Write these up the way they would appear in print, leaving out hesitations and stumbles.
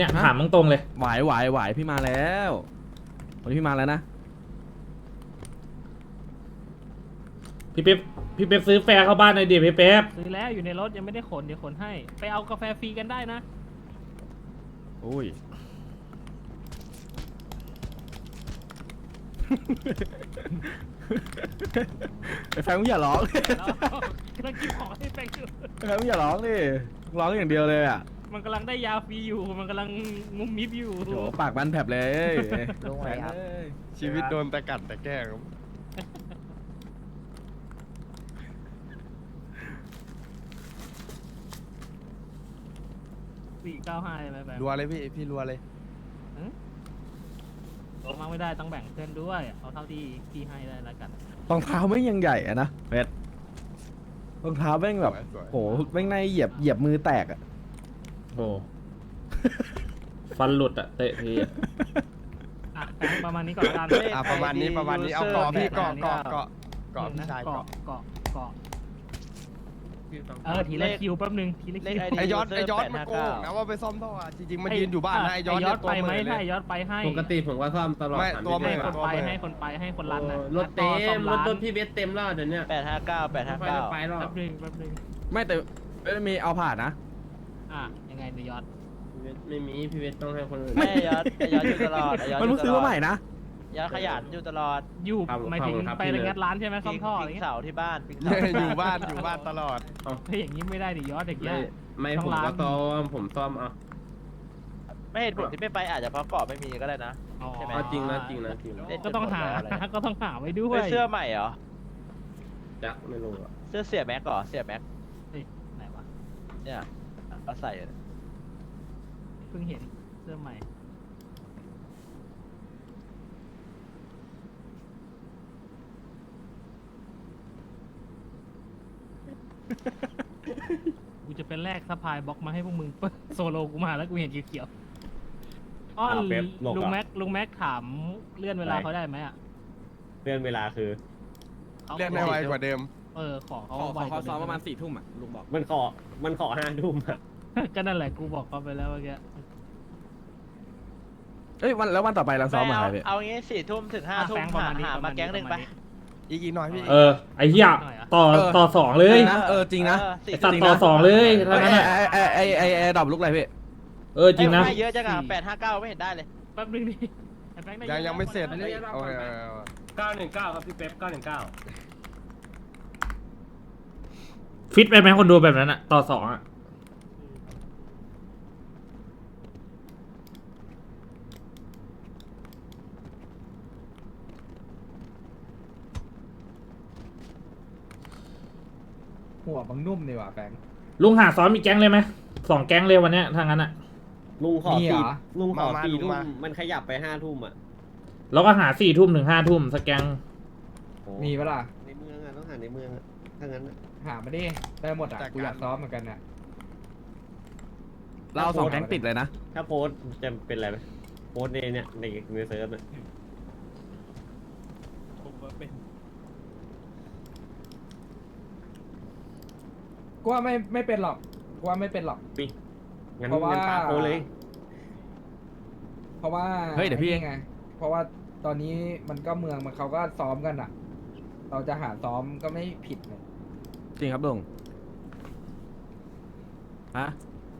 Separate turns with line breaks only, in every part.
เนี่ยถามตรงๆเลย
ไหวพี่มาแล้ววันนี้พี่มาแล้วนะ
พี่เป๊ปซื้อแฟร์เข้าบ้านหน่อยดิพี่เป๊ป
ซื้อแล้วอยู่ในรถยังไม่ได้ขนเดี๋ยวขนให้ไปเอากาแฟฟรีกันได้นะ
อุ้ย ไอ้แฟนมึงอย่าร้อง
แล้วกำลังกินของให้แฟงอยู่
ไอ้แฟนมึงอย่าร้องดิร้องอย่างเดียวเลยอ่ะ
มันกำลังได้ยาฟรีอยู่มันกำลังงุ้มมิบอยู่
โหปากมันแผลบเลย
ลงไหนครับ
ชีวิตโดนแต่กัดแต่แกล้งครับ
495ใช่ไหมแบงค์
รัวเลยพี่รัวเลย
ลงมาไม่ได้ต้องแบ่งเพื่อนด้วยเอาเท่าที่พี่ให้ได้แล้วกัน
รองเท้าแม่งยังใหญ่อะนะเพชรรองเท้าแม่งแบบ
สวยๆ
โหแม่งในเหยียบมือแตกอ่ะ
โอ้ฟันหลุดอะเตะทีอะ
อ่ะแบงค์ประมาณนี้ก่อนละกัน
ประมาณนี้เอาเกาะพี่เกาะพี่ชายเกาะ
เกาะทีละคิวแป๊บนึงทีละคิว
ไอยอดมันโกงนะว่าไปซ่อมท่อจริงๆมันยืนอยู่บ้านนะไอยอด
ไปไหม
เล
ถ้าย ยอดไปให้
ปกติผมก็ซ่อมตลอด
ไม่
ถา
ตัว
พี่
มึ
เป๊
ง
ป
อะ
ให้คนไปให้คนรันน่ะ
รถเต็
ซ่อ
ม
ร้าน
รถพี่เบสเต็มแล้วเดี๋ยวเนี้ย
859
ไม่ค่อยได้ไปหรอก
แป๊บนึง
ไม่แต่ไม่มีเอาผ่านนะ
ยังไงเดี๋ยวยอด
พี่เบสไม่มีพี่เบสต้องให้คนอื่น
ไม่ยอดอยู่ตลอดยอด
มันเพิ่งซื้อมาใหม่นะ
ยอดขยันอยู่ตลอด
อยู่หมายถึงไปงัดร้านใช่ไหมซ่อมท่ออะไร
ปิง
เงี้ย
เสาที่บ้านปิงเสา
อยู่บ้านตลอด
เฮ้ยอย่างนี้ไม่ได้ดิยอดอย่างเงี้ย
ไม่
ต้
ผ
อง
ม
ล้าง
ก็ซ่อมผมซ่อมเอา
ไม่เหตุผลที่ไม่ไปอาจจะเพราะเกาะไม่มีก็ได้นะ ใช่ไหม
เอาจริงนะจริงนะ
ก็ต้องหาไว้ด้วย
เสื้อใหม่เหรอ
จักไม่รู้อะ
เสื้อเสียแม็กเหรอเสียแม็ก
ไหนวะ
เนี่ยเอาใส่
เพิ่งเห็นเสื้อใหม่กูจะเป็นแรกสะพายบล็อกมาให้พวกมึงโซโลกูมาแล้วกูเห็นเขียวๆอ้อลุงแม็กถามเลื่อนเวลาเขาได้ไหมอ่ะ
เลื่อนเวลาคือ
เรียกได้ไวกว่าเดิม
ขอเขา
ขอซ้อมประมาณ4 ทุ่มอ่ะลุงบอก
มันขอ5 ทุ่มอะ
ก็นั่นแหละกูบอกเขาไปแล้วเมื่อกี้
เอ้ยวันต่อไปเราซ้อมมาใครพี่
เอางี้4 ทุ่มถึง5 ทุ่มหามาแก๊งหนึ่งไป
อีกหน่อยพี่
ไอ้เหี้ยต่อสองเลย
นะจริงนะ
ไอ้สัตว์ต่อสองเลยแล้วนั้นอะ
ไอ้ดอกลุกอะไรพี่
จริงนะ
ให้เยอะจังอ่ะ859ไม่เห็นได้เลย
แป๊บนึงดิ
ยังไม่เสร็จโอเค
919ครับพี่เป๊ป919
ฟิตไปไหมคนดูแบบนั้นอะต่อสองอะ
หัวบังนุ่มดีว่ะแบงค์
ลุงหาซ้อมอีกแก๊งเลยไหม2 แก๊งเลยวันเนี้ยถ้างั้นอะ
ลุงขอ
มีเหรอ
ลุงขอ4 ทุ่มมันขยับไป5 ทุ่มอะ
แล้วก็หา4 ทุ่มถึง5 ทุ่มสักแก๊ง
มีปะล่ะ
ในเมืองอะต้องหาในเมืองอะถ้างั้นอะ
หามาดิ ได้หมดอ่ะ กูอยากซ้อมเหมือนกันน่ะ
เรา2 แก๊งติดเลยนะ
ถ้าโพสต์จะเป็นอะไรไหมโพสต์ในเนี่ยในเซิร์ฟเนี่ย
กูว่าไม่เป็นหรอก กูว่าไม่เป็นหรอก
งั้น
เพราะว่า
ปาโพสต์เลย
เพราะว่า
เฮ้ยเดี๋ยวพี่
ไอ้นี่ไง เพราะว่าตอนนี้มันก็เมืองมันเขาก็ซ้อมกันอ่ะ เราจะหาซ้อมก็ไม่ผิดเลย
จริงครับลุงฮะ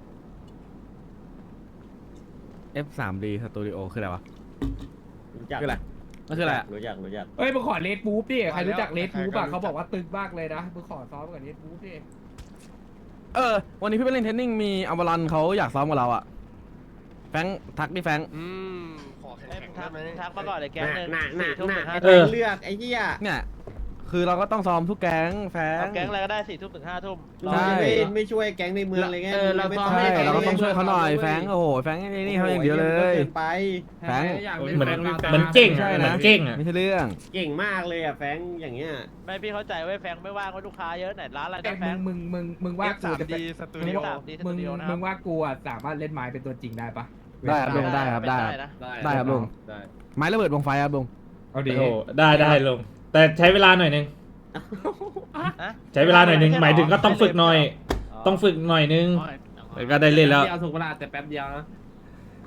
F3D Studio คืออะไรวะ
รู้จัก
คืออะไรมันคืออะไรอะ
รู้จัก
เอ้ยมึงขอเลดบูฟดิ ใครรู้จักเลดบูฟ
ใคร
อ่ะ
รู้จัก
เขาบอกว่าตึกมากเลยนะมึงขอซ้อมกับเลดบูฟดิ
วันนี้พี่ไปเล่นเทนนิ่งมีอัลบารันเขาอยากซ้อมกับเราอะแฟงทักดิแฟง
ขอแข่งได้ไหม
ทักมาก่อนเลยแก๊งหนึ่ง
หน้า
4 ทุ่มถึง5
เอ
ทุ่ม
อ
เลือกไอ้เหี้ย
เนี่ย คือเราก็ต้องซ้อมทุกแก๊งแฟง
เอาแก๊งอะไรก็ได้4 ทุ่มถึง5 ทุ่ม
เรา
ใช่
ไม่ช่วยแก๊งในเมืองเลยไง
เรา
ไม่
ซ้อม
ใช่
ให้
เราก็ต้องช่วยเขาหน่อยแฟงโอ้โหแฟงนี่เขาอย่างเดียวเลย
เกินไป
แฟง
เหมือนเก่ง
ใช่
อะ
นะ
เหมือนเก่งอะ
ไม่ใช่เรื่อง
เก่งมากเลยอ่ะแฟงอย่างเงี้ย
ไม่พี่เข้าใจว่าแฟงไม่ว่างเพราะลูกค้าเยอะไหนร้านอะไร
แต่
ได้แฟง
มึงว่ากูจะ
F3D
เป็น
สตู
มึ
ดิ
ง
โอ
ว่า
3D
มึง
Studio นะครับ
มึงว่ากูอ่ะสามารถเล่นไม้เป็นตัวจริงได้ปะ
ได้ครับลุงได้ครับได้
นะ
ได้ครับลุง
ได้
ไม้ระเบิดวงไฟครับลุง
เอาดิ
โอ้ได้ลงแต่ใช้เวลาหน่อยนึง
ฮะ
ใช้เวลาหน่อยนึงหมายถึงก็ต้องฝึกหน่อย ต้องฝึกหน่อยนึงแล้วก็ได้เล่นแล้ว
เดียวถูกเวลาแต่แป๊บเดียวนะ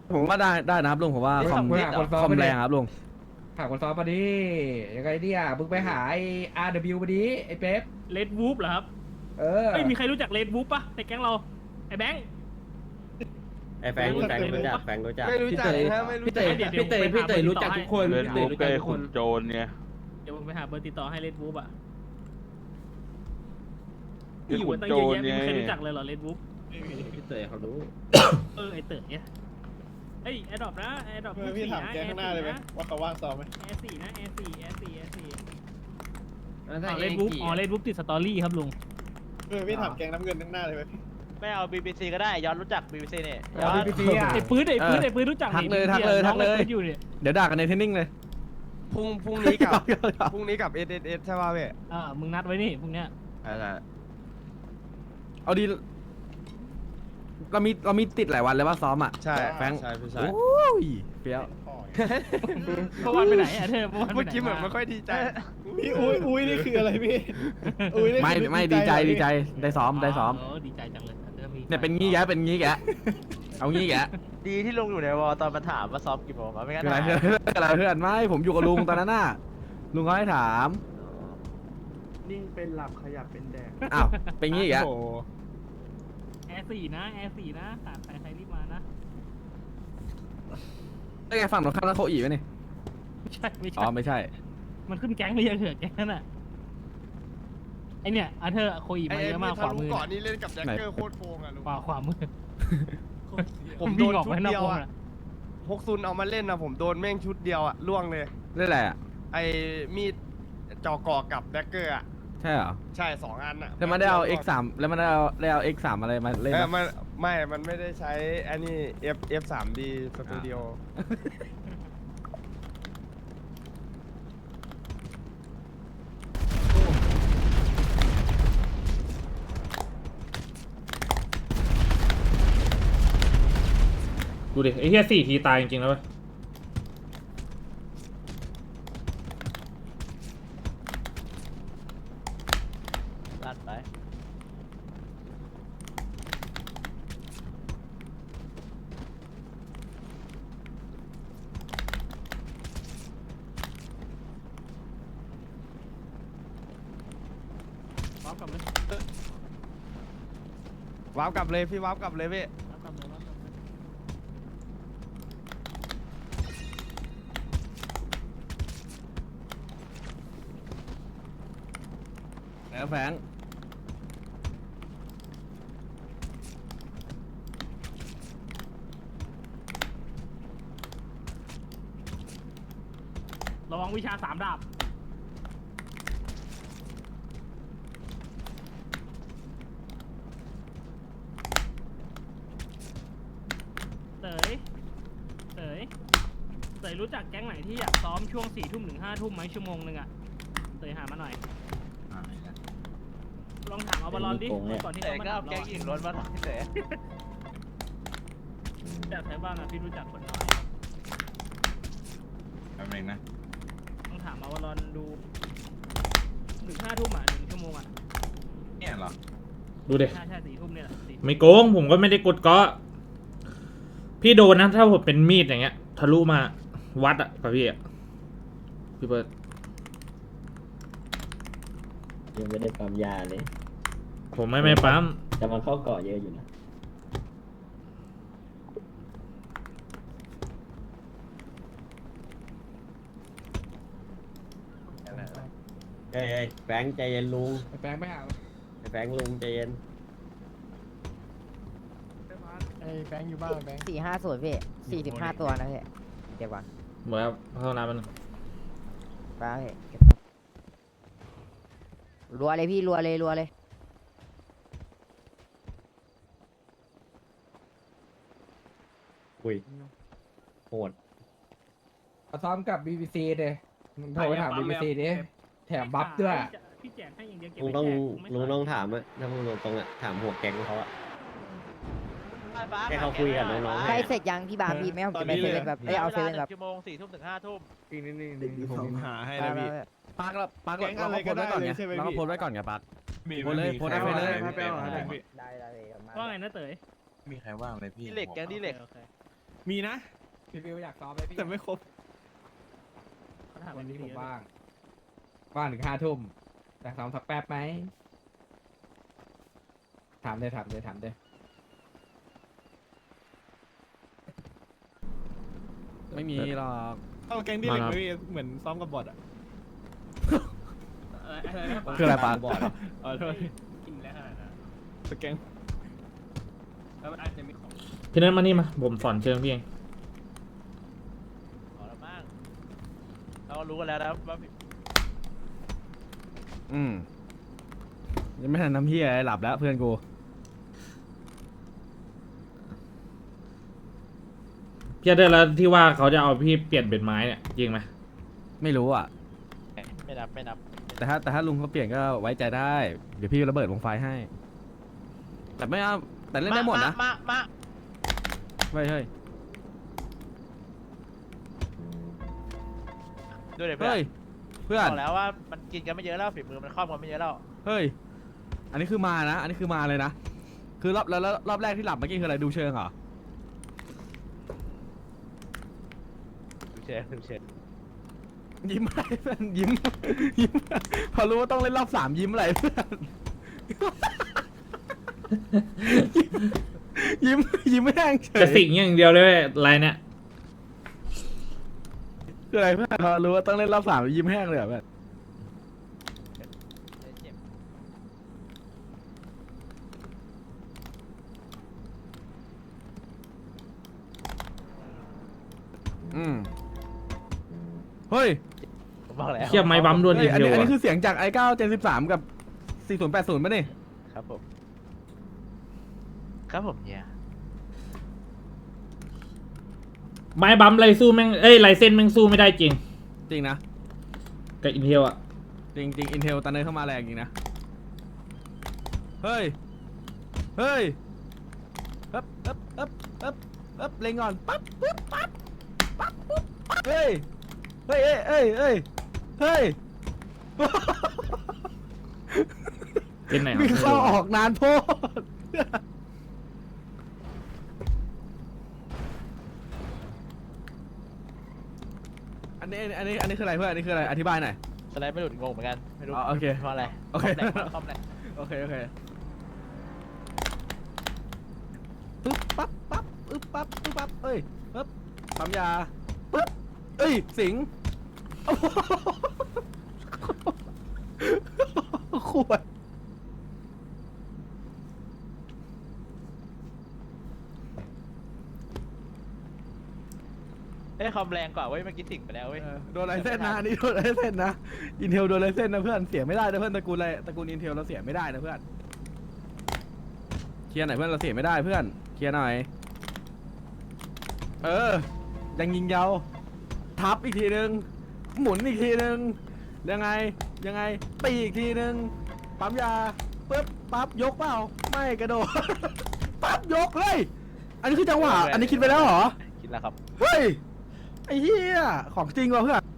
ผมว่าได้นะครับลุงผมว่าคอม
มึงหาคนซ้อม
คอม
มาดิ
แรงครับลุง
หาคนซ้อมมาดิยังไงเนี่ยมึงไปหาไอ้ RW มาดิไอ้เป๊ป
เลดวูฟเหรอครับ
เออ
เฮ้ยมีใครรู้จักเลดวูฟปะในแก๊งเราไอ้แบงค์
ไอ้แฟงรู้จักรู้จักแฟงรู้จัก
ไม่รู้จักนะไม่รู้
พี่
จั
เต๋
ก
พี่เต๋รู้จักทุกคน
เล่น
พี่
รู
เต๋
ป
รู้
เก
จักทุกค
ย์ขุ
น
นโจรเนี่ย
เดี๋ยวผมไปหาเบอร์ติดต่อให้เลดวูฟอ่ะ
เกย์ขุน
ตั้ง
โจ
เยอะ
ร
แยะ
เนี่ย
มีใครรู้จักเลยเหรอเลดวูฟ
พี่เต๋เขารู้
ไอเต๋อเนี่ยเฮ้ยแอดดอปนะแอดดอป
พี่ถามแกข้างหน้าเลยไหมว่าเขาว่างซ้อมไหม
แอร์สี่นะแอร์สี่เลดวูฟเลดวูฟติดสตอรี่ครับลุง
พี่ถามแกงน้ำเงินข้างหน้าเลยไหม
ไม่เอา BBC ก็ได้ย้อนรู้จัก BBC เนี่ยย้
เอา
อน
พี่อ่ะ
ไอ้ปื้ดรู้จัก
ทักเลยทักเลยทักเลย
อยู่เนี่ย
เดี๋ยวด่ากันในเทรนนิ่งเลย
พรุ่งนี้กับ SSS ใช่ป่ะพี่
มึงนัดไว้นี่พวกเนี้ย
เอาดีเรามีติดหลายวันเลยว่าซ้อมอ่ะ
ใช่
แฟง
ใช่พี่ใช่
โอ้ยเฟี้ยว
เมื่อวานไปไหนอะเธอเมื่อวานไป
เมื่อ
ไหน
กี้เหมือนไม่ค่อยดีใจ
พี่อุ้ยนี่คืออะไรพี่อุ้ยนี่
ไม่ดีใจได้ซ้อม
ดีใจจังเลยเธอมี
เนี่ยเป็นงี้แกเป็นงี้แกเอางี้แก
ดีที่ลุงอยู่ในวอลตอนมาถามว่าซ้อมกี่โมงวะไม่งั้น
อะไร
หาย
เพื่อนไม่ผมอยู่กับลุงตอนนั้นน่ะลุงเขาให้ถาม
นิ่งเป็นหลับขยับเป็นแดง
อ้าวเป็นงี้แก
แอร์สี่นะขาดใครรีบมานะ
ไอ้ไงฝั่งตรงข้ามนั้นเขาอีกไหมนี่
ไม่
อ๋
ใช่
อไม่ใช่
มันขึ้นแก๊งหรือยังเหรอแก๊งนั่นอ่ะไอเนี่ยอาเธอโคอี
ไอ้
มาเยอะมากข
ทะ
วา
ลุ
มือ
ก่อนนี่เล่นกับแจ็คเกอร์โคตรโกงอ่ะลุง
ขวามือ
ผมโด
วิ่ง
น
ออก
ชุ
ไป
ด
นอก
เดียว
วง
อ่ะ
อะ
ฮกซุนเอามาเล่นนะผมโดนแม่งชุดเดียวอ่ะล่วงเลย
เล่นอะไรอ่ะ
ไอ้มีดจอกอกับแจ็คเกอร์อ่ะ
ใช่เหรอ
ใช่2 อันอ่ะ
แล้วมันได้เอา X3 แล้วมันได้เอา X3 อะไรมาเล่น
มันมันไม่ได้ใช้อันนี้ F3D สตูดิโอ
ดูดิไอ้เหี้ย4 ทีตายจริงๆแล้วเว้ย
ลั่นไป
พร้อมกับเลย
ว้าวกลับเลยพี่ว้าวกลับเลยพี่
พร้อมกับเลย
แล้วแฟง
ระวังวิชา3 ดาบเต๋ยรู้จักแก๊งไหนที่อยากซ้อมช่วง4 ทุ่มถึง5 ทุ่มไหมชั่วโมงนึงอ่ะเต๋ยหามาหน่อยลองถามเอาบอลลอนดิก่อนที่
แต่
เขามา
ก็
ถา
เอา
ม
แก๊งหญิงล้วนมาถามพี่เต๋
จากใครบ้างอะพี่รู้จักคนน้อย
แป๊บนึงนะ
ต้องถามเอาบอลลอนดูถึง5 ทุ่มอ่ะ1 ชั่วโมงอ่ะ
เนี่ยเหรอ
ดูดิ
ใช่4 ทุ่มเนี่ยแหละ4
ไม่โกงผมก็ไม่ได้กดเกาะพี่โดนนะถ้าผมเป็นมีดอย่างเงี้ยทะลุมาวัดอะกับพี่อะพี่เบิร์ด
ยังไม่ได้ปั๊มยาเลย
ผมไม่ปั๊ม
แต่มันเข้าเกาะเยอะอยู่นะเฮ้ยแฟงใจเย็นลุง
ไอ้แฟงไปหา
แฟงลุงใจเย็น
ไอ้แบงค์อยู่บ้านแบงค์
450พี่45 ตัวนะพี่เก็บก่อน
หมดแล้วเข้าน้ำมัน
ไปพี่เก็บรัวเลยพี่รัวเลย
อุ้ยโหด
เอาซ้อมกับ BBC เลยมึงโทรไปถาม BBC ดิแถมบัฟด้วย
พี่แจกให้อย่างเดียวเก็บ
ลุง
ไว้
ต้อง
แจกไม่
ลุง
ขาย
ต้องถามอะถ้ามึงตรงๆอะถามหัวแก๊งเขาอะให้เขาคุยกับน้องๆ
ใกล้เสร็จยังพี่บาร์พี่ไม่เอาจะไปเซเว่นแบบเอาเซเว่นแบบ
ชั่วโมง4 ทุ่มถึง5 ทุ่ม
อีกนิดนึงผมหาให้
ไป
นะพี่
ปาร์คเราก็โพสไว้ก่อนไงเราก็โพสไว้ก่อนไงปาร์ค โพสเลยโพสได้เลย
ได้
ว่าไงนะเต๋ย
มีใครว่างเลยพี่
ดีเหล็กแก๊งดีเหล็ก
โอค
มีนะ
พี่ฟิวอยากซ้อมไหมพี่
แต่ไม่ครบ
เขาถาม
วันนี้
พี่
ผม
เยอะ
ว่างถึง5 ทุ่มอยากซ้อมสักแป๊บไหมถามเลย
ไม่มีหรอก
เอาแก๊งที่เหล็กไหมพี่เหมือนซ้อมกับบอทอ่ะ
อะไรนะ
คืออะไรปะ
บอด
อ๋อโทษ
กินแล้วขนาดนั้น
สแก๊ง
แล้วมันอาจจะมีของ
พี่นั้นมานี่มาผมสอนเชิงพี่เอง
ขอแล้วบ้างเรารู้กันแล้วนะว่า
ยังไม่ทันทำเฮียอะไรหลับแล้วเพื่อนกู
พี่เดอร์แล้วที่ว่าเขาจะเอาพี่เปลี่ยนเป็นไม้เนี่ยจริงไหม
ไม่รู้อ่ะ
ไม่นับไม่นับ
แต่ถ้าลุงเขาเปลี่ยนก็ไว้ใจได้ เดี๋ยวพี่ระเบิดวงไฟให้ แต่ไม่เอาแต่เล่นได้หมดนะ
มา
เฮ้ย
ด้วยเลยเพื่อ
เฮ้ย
น
เพื่อน
บอกแล้วว่ามันกินกันไม่เยอะแล้วฝีมือมันครอบกันไม่เยอะแล้ว
เฮ้ย อันนี้คือมานะ อันนี้คือมาเลยนะ คือรอบแรกที่หลับเมื่อกี้คืออะไรดูเชิงเหรอ
ดูเชน
ยิ้มอะไรเพื่อนยิ้ม พอรู้ว่าต้องเล่นรอบ3ยิ้มอะไรเพื่อน ยิ้มไม่แห้งเฉ
กระ
ย
สิงอย่างเดียวเลยเว้ยลายเนี่ย
คืออะไรเพื่อนพอรู้ว่าต้องเล่นรอบ3ยิ้มแห้งเลยเหรอเพื่อน
เจ็บ
เฮ้ย
ผมบอกแล้ว
เทียบไม้บัมด้วน
เฮ้
อี
ย
ก
อัน
เดี
นี้
ยว
อันนี้
อะ
คือเสียงจาก i9 Gen 13 กับ 4080ป่ะนี่
ครับผมครับผมเนี่ย
ไม้บัมไรสู้แม่งไรเส้นแม่งสู้ไม่ได้จริง
จริงนะ
กับอินเทลอะ
จริง Intel ตอนนี้เข้ามาแรงจริงนะ เฮ้ยเล็งก่อนปั๊บปุ๊บปั๊บปุ๊บปั๊บเฮ้ย
เป็นไหน
มีเข้าออกนานโพดอันนี้คืออะไรเพื่อนอันนี้คืออะไรอธิบายหน่อย
สไลด์ไม่หลุดงงเหมือนกันไม่รู้
อ๋อโอเค
เพราะอะไร
โอเค
คอมแหลก
โอเคปึ๊บปั๊บปึ๊บปั๊บเอ้ยปึ๊บปั๊มยาปึ๊บเอ้ยสิงโอ้โหขวด
คอมแรงกว่าเว้ยเมื่อกี้สิ่งไปแล้วเว้ย
โดนไรเส้นนะอันนี้โดนไรเส้นนะอินเทลโดนไรเส้นนะเพื่อนเสียไม่ได้นะเพื่อนตระกูลอินเทลเราเสียไม่ได้นะเพื่อนเคลียร์หน่อยเพื่อนเราเสียไม่ได้เพื่อนเคลียร์หน่อยยังยิงยาวทับอีกทีนึงหมุนอีกทีนึงยังไงตีอีกทีนึงปั๊มยาปึ๊บปั๊บยกเปล่าไม่กระโดด ปั๊บยกเฮ้ยอันนี้คือจังหวะอันนี้คิดไปแล้วเหรอ
คิดแล้วครับ
เฮ้ยไอ้เหี้ยของจริงว่ะเพื่อน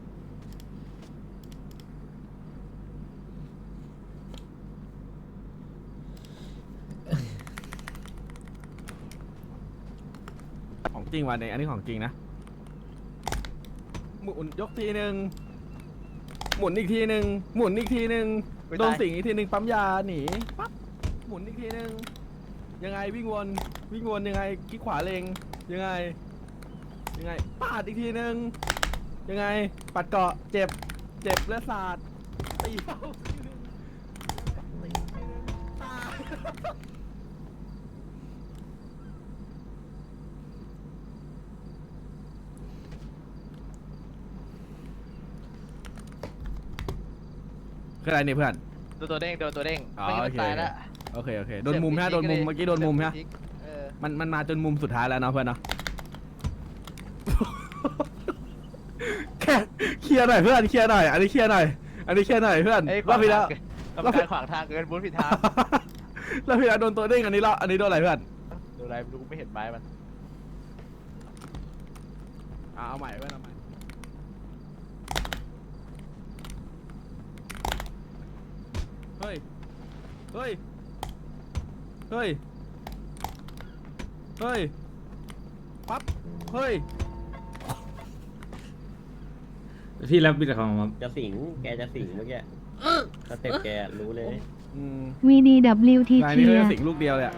ของจริงว่ะเนี่ยอันนี้ของจริงนะหมุนยกทีหนึ่งหมุนอีกทีหนึ่งหมุนอีกทีหนึ่ง
ไม่ได้
โดนสิงอีกทีหนึ่งปั๊มยาหนีปั๊บหมุนอีกทีหนึ่งยังไงวิ่งวนยังไงคลิกขวาเลงยังไงปาดอีกทีหนึ่งยังไงปัดเกาะเจ็บเลือดสาดตีเข้าทีหนึ่งตีทีหนึ่งตายคืออะไรเนี่ยเพื่อน
โดนตัวเด้ง
อ๋อ
ไม่งั้นมันตายแล้ว
โอเคโดนมุมฮะโดนมุมเมื่อกี้โดนมุมฮะ
เออ
มันมาจนมุมสุดท้ายแล้วเนาะเพื่อนเนาะ แค่เคลียร์หน่อยเพื่อนเคลียร์หน่อยอันนี้เคลียร์หน่อยเพื่อน
เอ้ย
รอบที่แล้ว
กรรมการขวางทางเกินบูธผิดทาง
รอบที่แล้วโดนตัวเด้งอันนี้โดนอะไรเพื่อน
ดูอะไรไม่รู้ไม่เห็นไม้มัน
เอาใหม่เพื่อนเอาใหม่เฮ้ยปั๊บเฮ้ย
พี่รับบิดของผม
จะสิงแกจะสิงเมื่อกี้สเต็ปแกรู้เลย
อืม
VDWT
ราย
เชี
นี้
ย
เขา
ร์
จะสิงลูกเดียวเลยอะ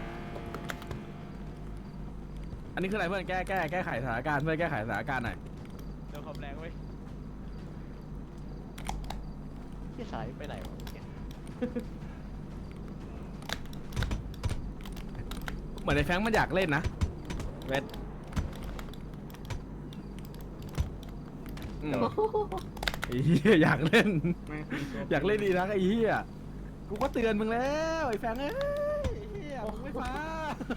อันนี้คืออะไรเพื่อนแก้ไขสถานการณ์เพื่อนแก้ไขสถานการณ์หน่อย
เดี๋ยวความแรงเว้ยที่สายไปไหนวะ
เหมือนไอ้แฟรงค์มันอยากเล่นนะเวทอืมไอ้เหี้ยอยากเล่น อยากเล่นดีนะไอ้เหี้ยกูก็เตือนมึงแล้วไอ้แฟรงค์เอ้ยไอ้เหี้ยมึงไม่ฟัง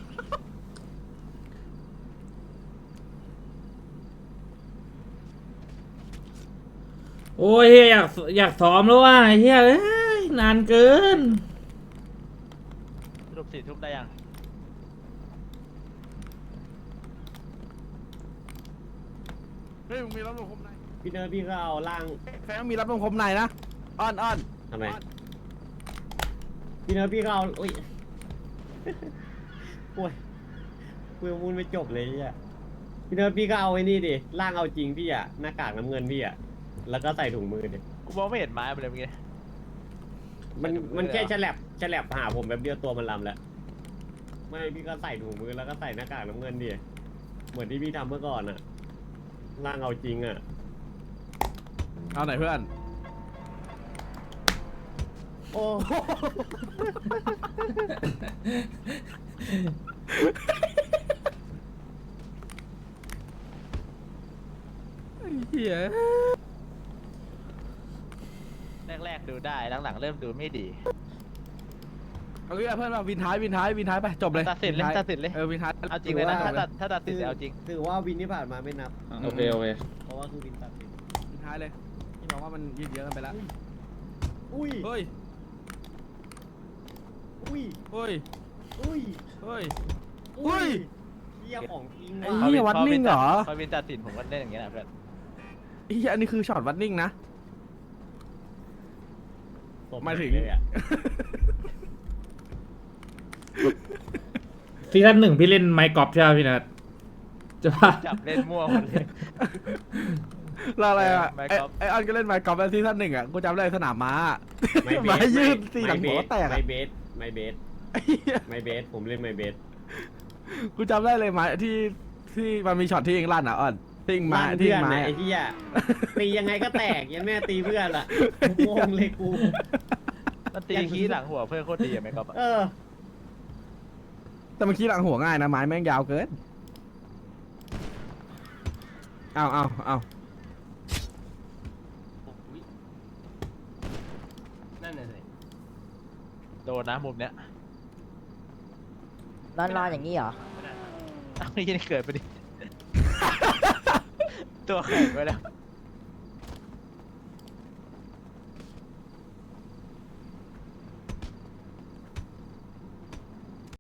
โอ้ยเฮียอยากซ้อมแล้วว่ะเฮียเอ้ยนานเกิน
สรุป4 ทุ่มได้ยัง
เฮ้ยมึงมีรับลมคมใน
พี่เนิร์ดพี่ก็เอาล่าง
แฟรงค์มีรับลมคมในนะอ้อน
ทำไมพี่เนิร์ดพี่ก็เอาโอ้ยโอ้ยคุยมูลไม่จบเลยเนี่ยพี่เนิร์ดพี่ก็เอาไอ้นี่ดิล่างเอาจริงพี่อะหน้ากากน้ำเงินพี่อะแล้วก็ใส่ถุงมือดิ
กูมองไม่เห็นไม้มันเลยเมื่อกี้
มันแค่ฉลับหาผมแบบเดียวตัวมันลำแล้วไม่พี่ก็ใส่ถุงมือแล้วก็ใส่หน้ากากน้ำเงินดิเหมือนที่พี่ทำเมื่อก่อนอะล่างเอาจริงอะ
ๆเอาไหนเพื่อน
โอ้
ไอ้เหี้ย
แรกๆดูได้หลังๆเริ่มดูไม่ดี
เอางี้เพื่อนมาวินท้ายไปจบเลย
ตัดสินเลย
วิท้า
ตัดสินเลย
วินท้าย
เอาจริงเลยนะถ้าตัดสินเอาจริง
ถือว่าวินที่ผ่านมาไม่นับ
โอเคโอเค
เพราะว่าคือวินตัดสิน
วินท้ายเลยพี่บอกว่ามันยืดเยอะกันไปแล้ว
อุ้ย
เฮ้ย
อุ้ย
เฮ้ย
อุ้ย
เฮ้ย
อุ้ยเหี้ยของจริง
ไอ้
ว่ะ
เหี้ยวัดนิ่งเหรอ
พอวินตัดสินผมก็เล่นอย่างเงี้ยนะเพื่อน
ไอ้เหี้ยอันนี้คือช็อตวัดนิ่งนะ หมายถึง
เลยอะ
ซีซั่น 1พี่เล่นไมค์กอล์ฟใช่ไหมพี่นัทจะว่า
จับเล่นมั่วหมดเลย
แล้วอะไรอ่ะ
ไมค์
ไอ้
Eh,
กอล์ฟ
ไอ้ออนก็เล่นไมค์กอล์ฟในซีซั่น 1อ่ะกูจำได้สนามม้า
ไม่เบ
ไม้
ส
ยืดตีหลังหัวแตก
ไม่
อะ
เบสไม่เบส
ไอ้เหี้ย
ไม่เบสผมเล่นไม่เบส
กูจำได้เลยไม้ที่มันมีช็อตที่เองลั่นอ่ะออนที่เองมา
ลั่น
ที่
เพื่อน
ไม้
น่ะ
อะ
ไอ้ที่อะตียังไงก็แตกยันแม่ตีเพื่อนล่ะงงเลยกู
มันตีขี้หลังหัวเพื่อนโคตรดีอะไหมก๊อฟอะ
เออ
แต่เมื่อกี้หลังหัวง่ายนะไม้แม่งยาวเกินเอา
นั่นน่ะสิ
โดนนะมุมเนี้ย
นอนอย่างนี้เหรอ
อ้าวนี่เกิดไปดิ ตัวแข็งไปแล้ว